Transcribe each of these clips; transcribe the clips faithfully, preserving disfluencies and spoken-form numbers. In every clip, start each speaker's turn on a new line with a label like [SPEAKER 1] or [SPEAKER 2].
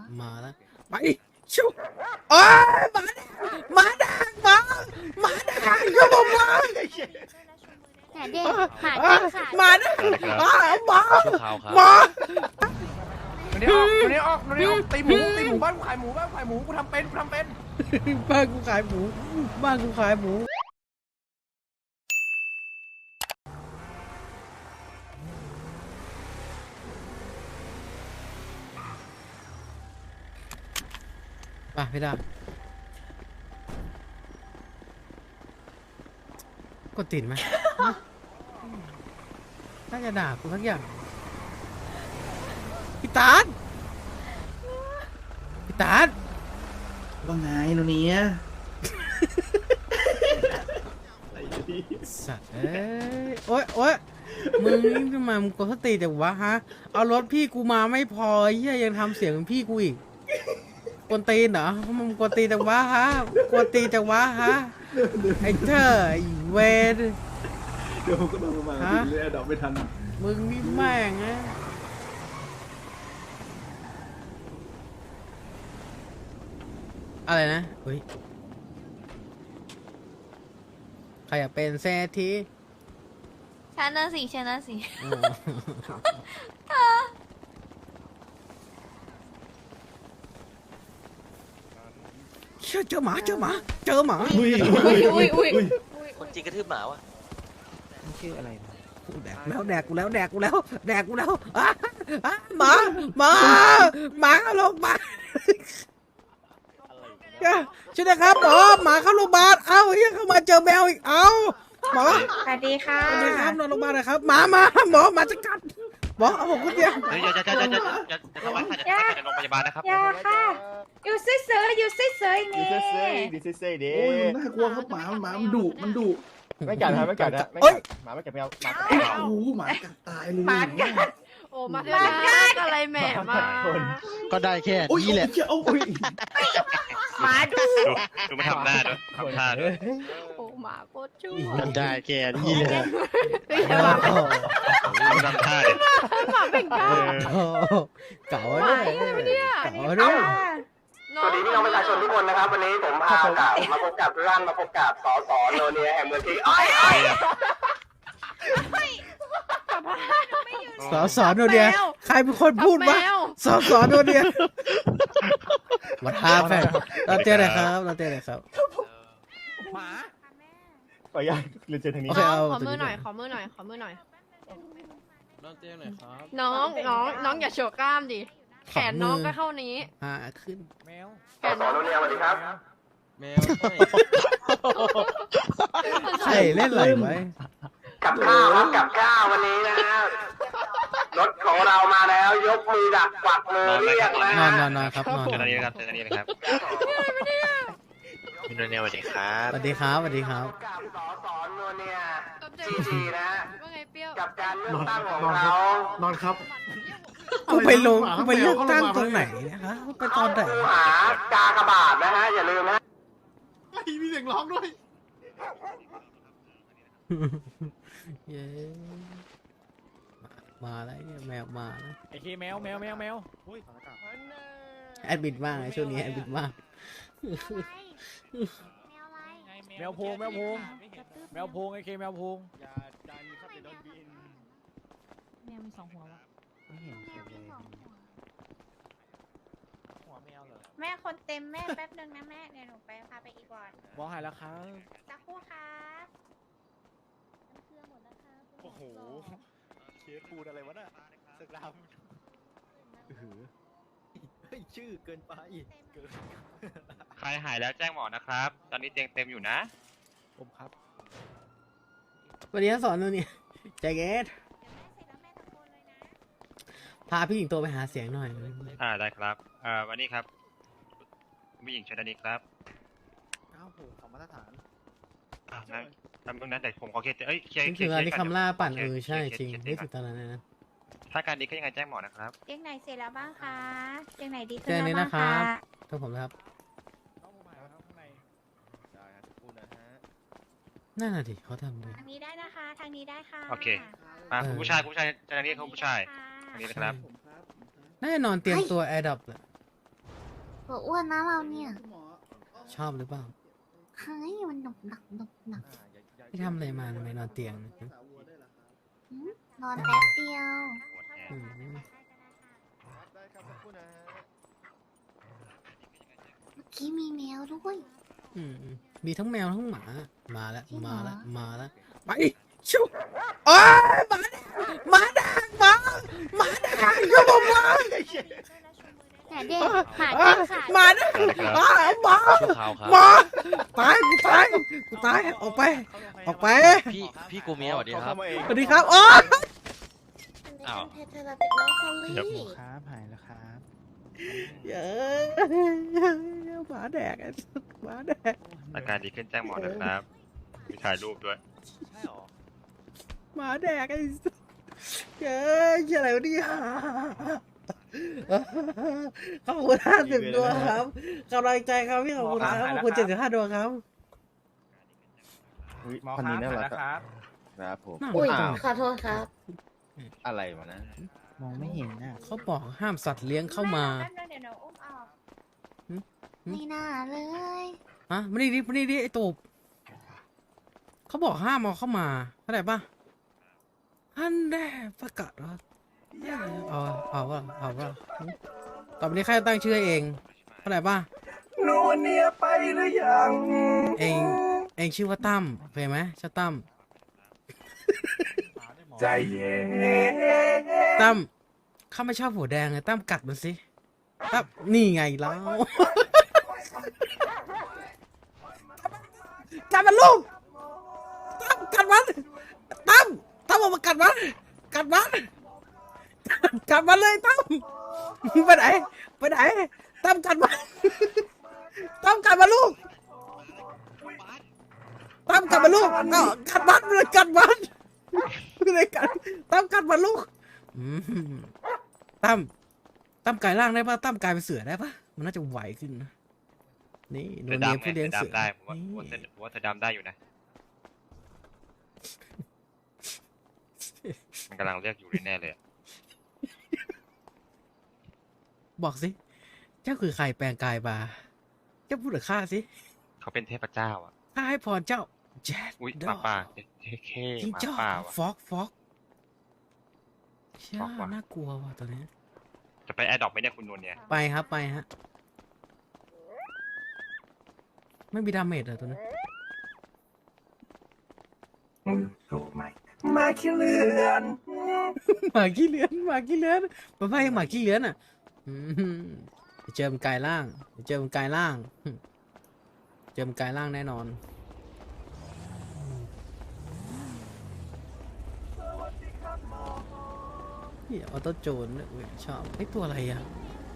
[SPEAKER 1] มาแล้วไปชุบโอ้ยมาแดงมาแดงมามาแดงก็บอกมา
[SPEAKER 2] หาเด็กหาเด็กค่ะ
[SPEAKER 1] มาแดงมามา มา
[SPEAKER 3] วันนี้ออกวันนี้ออกวันนี้ออกตีหมูตีหมูบ้านกูขายหมูบ้านกูขายหมูกูทำเป็นกูทำเป็น
[SPEAKER 1] บ้านกูขายหมูบ้านกูขายหมูไปพี่ดากดติดไหมน่าจะด่ากูสักอย่างพี่ตาลพี่ตาล
[SPEAKER 4] ว่าไงโนเนีย
[SPEAKER 1] สัตว์เอ้ยโอ๊ยโอ๊ยมึงนี่ทำไมมึงกดสติแต่วะฮะเอารถพี่กูมาไม่พอเหี้ยยังทำเสียงเป็นพี่กูอีกกวนตีนเหรอมึงกวนตีนแต่วะฮะกวนตีนแต่วะฮะไอ้เธอไอ้เวร
[SPEAKER 4] เดี๋ยวผมก็โดนมาทีเลยดับไม่ทัน
[SPEAKER 1] มึงนี่แม่งนะอะไรนะเฮ้ยใครอยากเป็นเศรษฐี
[SPEAKER 2] ฉันน่ะสิฉันน่ะสิ
[SPEAKER 1] เชื่อเจอหมาเจอหมาเจอหมา
[SPEAKER 4] อุ้ย
[SPEAKER 2] อุ้ยอุ้ยอุ้ย
[SPEAKER 5] คนจริงกระทืบหมาวะ
[SPEAKER 3] ชื่ออะไร
[SPEAKER 1] แดกแล้วแดกกูแล้วแดกกูแล้วแดกกูแล้วอ่ะอ่ะหมาหมาหมาเข้าโรงพยาบาลช่วยนะครับหมอหมาเข้าโรงพยาบาลเอ้าเฮียเข้ามาเจอแมวอีกเอ้าหมอ
[SPEAKER 2] สวัสดีค่ะ
[SPEAKER 1] สวัสดีครับนอนโรงพยาบาลหน่อยครับหมามาหมอหมาจะกัดหมอเอาผมคนเดียว
[SPEAKER 5] เฮ้ยอย่าอย่าอย่าอย่าอย่าอย่าทำร้ายค่ะอย่าทำร้ายในโรงพยาบาลนะครับ
[SPEAKER 2] ยาค่ะอยู่เฉยๆอยู่เฉยๆนี่
[SPEAKER 6] ดิซิเซ่ดิ
[SPEAKER 4] โอ้ยมันน่ากลัวครับหมาหมามันดุมันดุ
[SPEAKER 6] ไม่กัดนะไม่กัดนะไม่กัดหมาไม่กัดแมวหมากัดแมว
[SPEAKER 4] โอ้โหหมากัดตายเลย
[SPEAKER 2] หมากัด
[SPEAKER 7] โอ้มามากัดอะไรแหม่มา
[SPEAKER 6] คน
[SPEAKER 8] ก็ได้แค่
[SPEAKER 4] โอ้ย
[SPEAKER 8] นี้แหละ
[SPEAKER 4] โอ้ย
[SPEAKER 2] หมาดู
[SPEAKER 5] ดูดูมันทำหน้าด้วยทำท่าด้วย
[SPEAKER 7] โอ้หมาโคตรชั่ว
[SPEAKER 8] ก็ได้แค่นี้แหละ
[SPEAKER 7] เฮ้ยหมาเป็น
[SPEAKER 5] ดูทำท่าดิ
[SPEAKER 7] หมาเป็นก้า
[SPEAKER 1] โอ้เก่าด้วยเก่าด้วย
[SPEAKER 7] น้
[SPEAKER 9] สวัสดีพี่น้องประชาชนทุกคนนะครับ วันนี้ผมพากล่าวมาพบกับร่างมาพบกับสสโนเนียแห่งเมืองที่อ้อยอ้อย
[SPEAKER 1] สอสอโนเดียใครเป็นคนพูดวะสอสอโนเดียวัดท่าแฟนเราเจอไหนครับเราเจอไหนครับ
[SPEAKER 3] หมา
[SPEAKER 6] ขออนุญาตเรียนเชิญทางนี้
[SPEAKER 1] โอเค
[SPEAKER 7] อง
[SPEAKER 1] เอา
[SPEAKER 7] ขอมือหน่อยขอมือหน่อยขอมือหน่อย
[SPEAKER 8] น้องเจ้หน่อยครับ
[SPEAKER 7] น้องน้องน้องอย่าโชว์กล้ามดิแขนน้องก็เท่านี้
[SPEAKER 1] หาขึ้น
[SPEAKER 3] แมว
[SPEAKER 9] สสโนเนียสวัสดีครับ
[SPEAKER 8] แมว
[SPEAKER 1] ใช่เล่นอะไรไว้
[SPEAKER 9] กับข้าวครับกับข้าววันนี้นะฮะรถของเรามาแล้ว ยกมือดักกวักมือเรียกนะ
[SPEAKER 1] นอน
[SPEAKER 9] ฮะ
[SPEAKER 1] นอนนอนครับนอน
[SPEAKER 5] เจอกันนี้นะครับเจอกันนี้นะครับพี่โนเนียสวัสดีครับ
[SPEAKER 1] สวัสดีครับสวัสดีครับ
[SPEAKER 9] กับสสโนเนียจีจีนะฮะ
[SPEAKER 7] ว่าไงเปรี้ยว
[SPEAKER 9] กับการเลือกตั้งของเรา
[SPEAKER 4] นอนครับ
[SPEAKER 1] กูไปลงกูไปเลือกตั้งตรงไหนนะคะไปตอนไหน
[SPEAKER 9] คู่หากากบาทนะฮะอย่าลืมนะ
[SPEAKER 4] มีเสียงร้องด้วย
[SPEAKER 1] เย้มาแล้วเนี่ยแมวมาแล้ว
[SPEAKER 3] ไอ้เคแมวแมวแมวแมว
[SPEAKER 1] แอดมิดมากเลยช่วงนี้แอดมิดมาก
[SPEAKER 3] แมวโพงแมวโพงแมวโพงไอ้เคแมวโพง
[SPEAKER 6] อย่าดันครับเดี๋ยวโดนบิน
[SPEAKER 7] แมวมีสองหัววะ
[SPEAKER 3] ไม่เห็นใครเลยหัวแมวเหรอ
[SPEAKER 2] แม่คนเต็มแม่แป๊บนึงนะแม่เดี๋ยวหนูไปพาไปอีกก่อน
[SPEAKER 3] บอกหายแล้วครับ
[SPEAKER 2] สักครู่ครับ
[SPEAKER 6] โอ้โหเคสปูนอะไรวะน่ะสกราม
[SPEAKER 8] เฮ้ยชื่อเกินไป
[SPEAKER 5] ใครหายแล้วแจ้งหมอนะครับ ตอนนี้เตียงเต็มอยู่นะ
[SPEAKER 3] ผมครับ
[SPEAKER 1] วันนี้สอนตัวนี้ใจเกตพาพี่หญิงโตไปหาเสียงหน่อย
[SPEAKER 5] อ่าได้ครับเอ่อวันนี้ครับผู้หญิงเชิญด้านนี้ครับ
[SPEAKER 6] เก้าหกของมาตรฐาน
[SPEAKER 5] อ่างั้นทำตรงนั้นแต่ผมขอเคลียร์เอ้ยเคลียร์
[SPEAKER 1] นี่
[SPEAKER 5] เคลี
[SPEAKER 1] คื
[SPEAKER 5] ย
[SPEAKER 1] อ
[SPEAKER 5] ร์
[SPEAKER 1] อันนี้คำล่าปั่นเออใช่
[SPEAKER 5] เค
[SPEAKER 1] จริง
[SPEAKER 5] ลีย
[SPEAKER 1] ไม่
[SPEAKER 5] เค
[SPEAKER 1] ถึ
[SPEAKER 5] ลีย
[SPEAKER 1] งตอนนั้นนะ
[SPEAKER 5] ถ้าการดีก็ยังไงแจ้งหมอนะครับ
[SPEAKER 2] เตียงไหนเสร็จแล้วบ้างคะเตียงไหนดีขึ้น
[SPEAKER 1] เตียง
[SPEAKER 2] แล้ว
[SPEAKER 1] นี้
[SPEAKER 2] บ้า
[SPEAKER 1] นะ
[SPEAKER 2] ง
[SPEAKER 1] ครั
[SPEAKER 2] คะ
[SPEAKER 1] บ ต้องผมนะครับ
[SPEAKER 3] น้องผมหายแล้วครับข้างใน
[SPEAKER 6] ได้ครับปูนนะฮะ
[SPEAKER 1] นั่นน่ะดิเขาทำดี
[SPEAKER 2] ทางนี้ได้นะคะ ทางนี้ได้ค่ะ
[SPEAKER 5] โอเค อ่าคุณผู้ชายคุณผู้ชายเจอด้านนี้เขาผู้ชาย
[SPEAKER 2] ค่ะ
[SPEAKER 5] อันนี้นะครับ
[SPEAKER 1] น่าจะนอนเตรียมตัวแอร์ดับแหละ
[SPEAKER 2] ตัวอ้วนนะเราเนี่ย
[SPEAKER 1] ชอบหรือเปล่า
[SPEAKER 2] เฮ้ยมันหนุกหนักหนุกหนัก
[SPEAKER 1] พี่ทำอะไรมาทำไมนอนเตียง
[SPEAKER 2] หืมนอนแป๊บเดียว
[SPEAKER 1] อืม
[SPEAKER 6] ได้ครับสักครู่นะฮะ
[SPEAKER 2] เมื่อกี้มีแมวด้วย
[SPEAKER 1] อืมมีทั้งแมวทั้งหมา มาแล้ว
[SPEAKER 2] จริงเหรอ
[SPEAKER 1] มาแล้ว มาแล้ว ไปชุบโอ้ยหมาแดงหมาแดงหมาหมาแดงก็บอกว่า
[SPEAKER 2] แต่เด็กหมาเด็กขาด
[SPEAKER 1] หมาแดงหมาหมา
[SPEAKER 8] ชั่วคราวครับ
[SPEAKER 1] หมาตายกูตายกูตายออกไป ออกไป
[SPEAKER 8] พี่พี่กูเมียสวัสดีครับ
[SPEAKER 1] สวัสดีครับโอ้ย
[SPEAKER 8] อ้าว
[SPEAKER 2] เธอเราเป็นน้องพอลลี่
[SPEAKER 6] ครับหายแล้วครับ
[SPEAKER 1] เย้หมาแดกไอ้หมาแดก
[SPEAKER 5] อาการดีขึ้นแจ้งหมอนะครับมีถ่ายรูปด้วย
[SPEAKER 8] ใช่หรอ
[SPEAKER 1] หมาแดกไอ้เย้ยอะไรวะเนี่ยขอบคุณห้าสิบดวงครับกำลังใจครับพี่ขอบคุณครับขอบคุณเจ็ดสิบห้าดวงครับ
[SPEAKER 3] หมอครับหายแล้วครับ
[SPEAKER 8] ครับผม
[SPEAKER 2] อุ้ย
[SPEAKER 8] อ้าว
[SPEAKER 2] ขอโทษครับ
[SPEAKER 8] อะไรวะนะ
[SPEAKER 6] มองไม่เห็นน่ะ
[SPEAKER 1] เขาบอกห้ามสัตว์เลี้ยงเข้ามา
[SPEAKER 2] แป๊บนึงเดี๋ยวหนูอุ้มออก
[SPEAKER 1] หืม
[SPEAKER 2] ไม่น่าเลย
[SPEAKER 1] อ่ะมานี่ดิมานี่ดิไอ้ตูบเขาบอกห้ามเอาเข้ามาเข้าใจปะอันแน่ประกาศว่าเอาเอาว่าเอาว่าต่อไปนี้ใครตั้งชื่อให้เองเข้าใจปะ
[SPEAKER 3] นูเนียไปหรือยัง
[SPEAKER 1] เองเองชื่อว่าตั้มโอเคไหมชื่อตั้ม
[SPEAKER 3] ใจเย็น
[SPEAKER 1] ตั้มข้าไม่ชอบหัวแดงเลยตั้มกัดมันสิตั้มนี่ไงแล้วกัดมันลูกตั้มกัดมันตั้มตั้มเอามากัดมันกัดมันกัดมันเลยตั้มไปไหนไปไหนตั้มกัดมันตั้มกัดมันลูกตั้มกัดมันลูกเอ้ากัดมันเลยกัดมันเลยกัดตั้มกัดมันลูกอืมตั้มตั้มกลายร่างได้ปะตั้มกลายเป็นเสือได้ปะมันน่าจะไหวขึ้นนะนี่โน
[SPEAKER 5] เสือ
[SPEAKER 1] เนีย
[SPEAKER 5] ดำไง
[SPEAKER 1] ผู้เลี้ยง
[SPEAKER 5] เสื
[SPEAKER 1] เสื
[SPEAKER 5] อ
[SPEAKER 1] อ
[SPEAKER 5] ดำได้ผมว่า
[SPEAKER 1] นี่
[SPEAKER 5] ผมว่าเสือผมว่าเสือดำได้อยู่นะ มันกำลังเรียกอยู่แน่ๆเลยอะ
[SPEAKER 1] บอกสิเจ้าคือใครแปลงกายมาเจ้าพูดกับข้าสิ
[SPEAKER 5] เขาเป็นเทพเจ้าอ่ะ
[SPEAKER 1] ข้าให้พรเจ้าแจ๊ด
[SPEAKER 5] อุ้ย
[SPEAKER 1] ด
[SPEAKER 5] ห
[SPEAKER 1] อ
[SPEAKER 5] มาป่าเท่เค
[SPEAKER 1] จริง
[SPEAKER 5] หมา
[SPEAKER 1] เจ้า
[SPEAKER 5] ป่าว่ะ
[SPEAKER 1] ฟอกฟอกเชื่อ
[SPEAKER 5] ฟอกว่ะ
[SPEAKER 1] น่ากลัวว่ะตัวนี้
[SPEAKER 5] จะไปแอร์ดรอปไหมเนี่ยคุณนวลเนี่ย
[SPEAKER 1] ไปครับไปฮะไม่มีดาเมจเหรอตัวนี้
[SPEAKER 3] มาขี้เลือน
[SPEAKER 1] หมาขี้เลื้อนหมาขี้เลื้อนมาไพ่หมาขี้เลื้อนอ่ะอืมเดี๋ยวเจอมันกลายร่างเดี๋ยวเจอมันกลายร่างอืมเจอมันกลายร่างแน่นอนนี่ออโต้โจนด้วยเว้ยชอบไอ้ตัวอะไรอ่ะ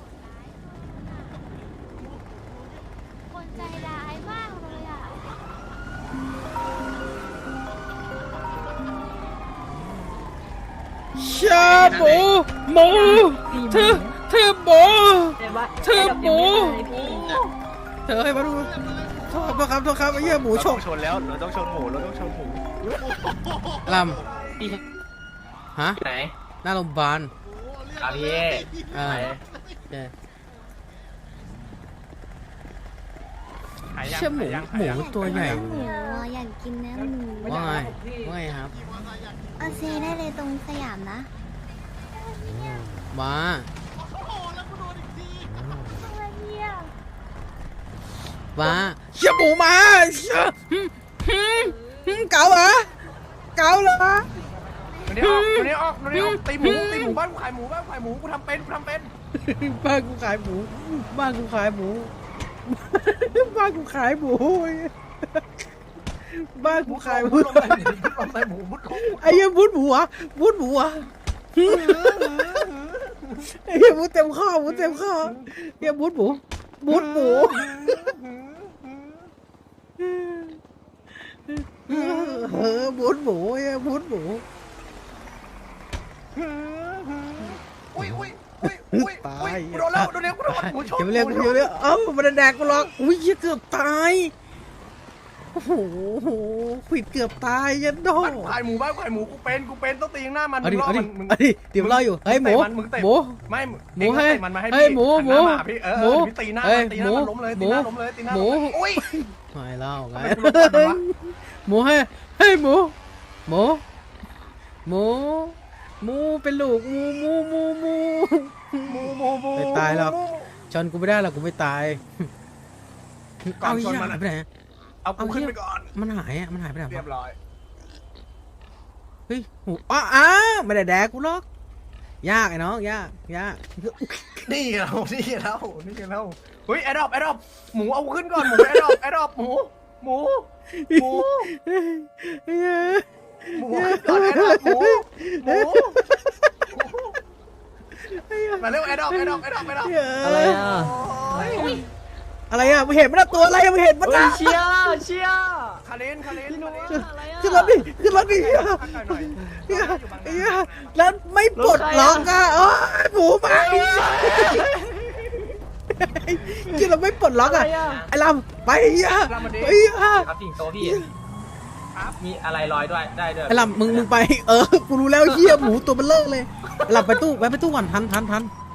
[SPEAKER 2] คนใจร้ายมากเลยอ่ะ
[SPEAKER 1] ชาหมูหมูเธอเธอหมูเธอหมูเธอให้มาดูโทษครับโทษครับไอ้เหี้ยหมู
[SPEAKER 6] เรา
[SPEAKER 1] ฉ
[SPEAKER 6] ต้อก งชนแล้วเราต้องชนหมูเราต้องชนหมู
[SPEAKER 1] ลำฮะ
[SPEAKER 3] ไหน
[SPEAKER 1] หน้าโรงพยาบาล
[SPEAKER 3] ครับพี่
[SPEAKER 1] อ่าเจ๊เชื่อหมูหมูตัวใหญ่
[SPEAKER 2] หมูอ่ะอยากกินเนื้อหมู
[SPEAKER 1] ว่าไงว่าไงครับ
[SPEAKER 2] เอาซีได้เลยตรงสยามนะ
[SPEAKER 1] มามาเชื่อหมูมาเชื่อหึหึหึเก๋าเหรอเก๋าเหรอ
[SPEAKER 3] วันนี้ออกวันนี้ออกวันนี้ออกตีหมูตีหมูบ้านกูขายหมูบ้านกูขายหมูกูทำเป็นกูทำเป็น
[SPEAKER 1] บ้านกูขายหมูบ้านกูขายหมูบ้านกูขายหมูบ้านกูขายหมู
[SPEAKER 3] ลงไปหมูลงไปหมูมุดลง
[SPEAKER 1] ไอ้เหี้ยบุดหมูอ่ะบุดหมูอ่ะไอ้เหี้ยบุดเต็มข้อบุดเต็มข้อเหี้ยบุดหมูบุดหมูเออบุดหมูเหี้ยบุดหมู
[SPEAKER 3] อุ้ยอุ้ยอุ้ยอุ้ย
[SPEAKER 1] ตา
[SPEAKER 3] อุ้ย
[SPEAKER 1] ย
[SPEAKER 3] กูโดนแล้วโดนแล้วกูโดนหมูชน
[SPEAKER 1] เดี๋ยวเรียกเดี๋ยวเรียกเอ้ามันแดกกูหรอกอุ้ยเหี้ยเกือบตายโอ้โหขวิดเกือบตายยันโด
[SPEAKER 3] บ้านกูขายหมูบ้านกูขายหมูกูเป็นกูเป็นต้องตีข้างหน้ามัน
[SPEAKER 1] เอาดิ
[SPEAKER 3] มึงร
[SPEAKER 1] เอาดิ
[SPEAKER 3] มันมึง
[SPEAKER 1] เอาดิเดี๋ยวรออยู่เฮ้ยหมู
[SPEAKER 3] มึงเตะ
[SPEAKER 1] หมู
[SPEAKER 3] ไม่
[SPEAKER 1] หมู
[SPEAKER 3] ไม่
[SPEAKER 1] หมู
[SPEAKER 3] เอง
[SPEAKER 1] ให้
[SPEAKER 3] เตะมันมาให้
[SPEAKER 1] เฮ้ย
[SPEAKER 3] พี่
[SPEAKER 1] หมู
[SPEAKER 3] หันน้า
[SPEAKER 1] หมู
[SPEAKER 3] มาพี่เออ
[SPEAKER 1] หมู
[SPEAKER 3] เออพี่ตีหน้า
[SPEAKER 1] เอ้ย
[SPEAKER 3] ตีหน้า
[SPEAKER 1] หมู
[SPEAKER 3] มันล้มเลยตีหน้า
[SPEAKER 1] หมู
[SPEAKER 3] ล้มเลยตีหน้า
[SPEAKER 1] หมู
[SPEAKER 3] ล้มเลยอุ้ย
[SPEAKER 1] ไม่เล่าไง
[SPEAKER 3] ทำไมกูล้มก่อนวะ
[SPEAKER 1] หมูให้ให้หมูหมูหมูหมูเป็นลูกหมูหมูหมูหมู
[SPEAKER 3] หมูหมูหมู
[SPEAKER 1] ไม่ตายหรอก ชนกูไม่ได้หรอกกูไม่ตาย
[SPEAKER 3] ก่อน
[SPEAKER 1] เอา
[SPEAKER 3] ชน
[SPEAKER 1] เหี้ย
[SPEAKER 3] มัน
[SPEAKER 1] หาย
[SPEAKER 3] อะ
[SPEAKER 1] ไปไหน
[SPEAKER 3] เอากู
[SPEAKER 1] เอาเหี้
[SPEAKER 3] ขึ้น
[SPEAKER 1] ย
[SPEAKER 3] ไปก่อน
[SPEAKER 1] มันหายอ่ะมันหายไปไหน
[SPEAKER 3] เรียว
[SPEAKER 1] ะ
[SPEAKER 3] บร้อย
[SPEAKER 1] เฮ้ยหูอ้าอ้าไม่ได้แดกกูหรอกยากไอ้น้องยากยาก
[SPEAKER 3] นี่เรานี่เรานี่เราเฮ้ยแอดดอปแอดดอปหมูเอาขึ้นก่อนหมูแอดดอปแอดดอปหมูหมูหมู
[SPEAKER 1] เฮ้ย
[SPEAKER 3] หมูขึ้นก่อนแอดดอปหมูหมูมาเร็วแอดดอปแอดดอปแอดดอปแอดดอป
[SPEAKER 1] อะไรอ่ะ
[SPEAKER 3] โอ้ย
[SPEAKER 1] อะไรอ่ะมึงเห็นมันตัวอะไรอ่ะมึงเห็นมันนะ
[SPEAKER 7] เชียร์เชียร์
[SPEAKER 3] คาเลนคาเลนคาเลน
[SPEAKER 1] ขึ้นรถดิขึ้นรถดิ
[SPEAKER 3] หน่อย
[SPEAKER 1] เหี้ยเหี้ยแล้วไม่ปลดล็อกอ่ะโอ้ยหมูไปกินเราไม่ปลดล็อกอ่ะไอ้ลำไปเหี้ยไปเหี้ย
[SPEAKER 10] ครับสิงโตพี่มีอะไรลอยด้วยได้ด้วย
[SPEAKER 1] ไอ้ลำมึงมึงไปเออกูรู้แล้วเหี้ยหมูตัวมันเลิกเลยไอ้ลำไปตู้แวะไปตู้ก่อนทันทันทัน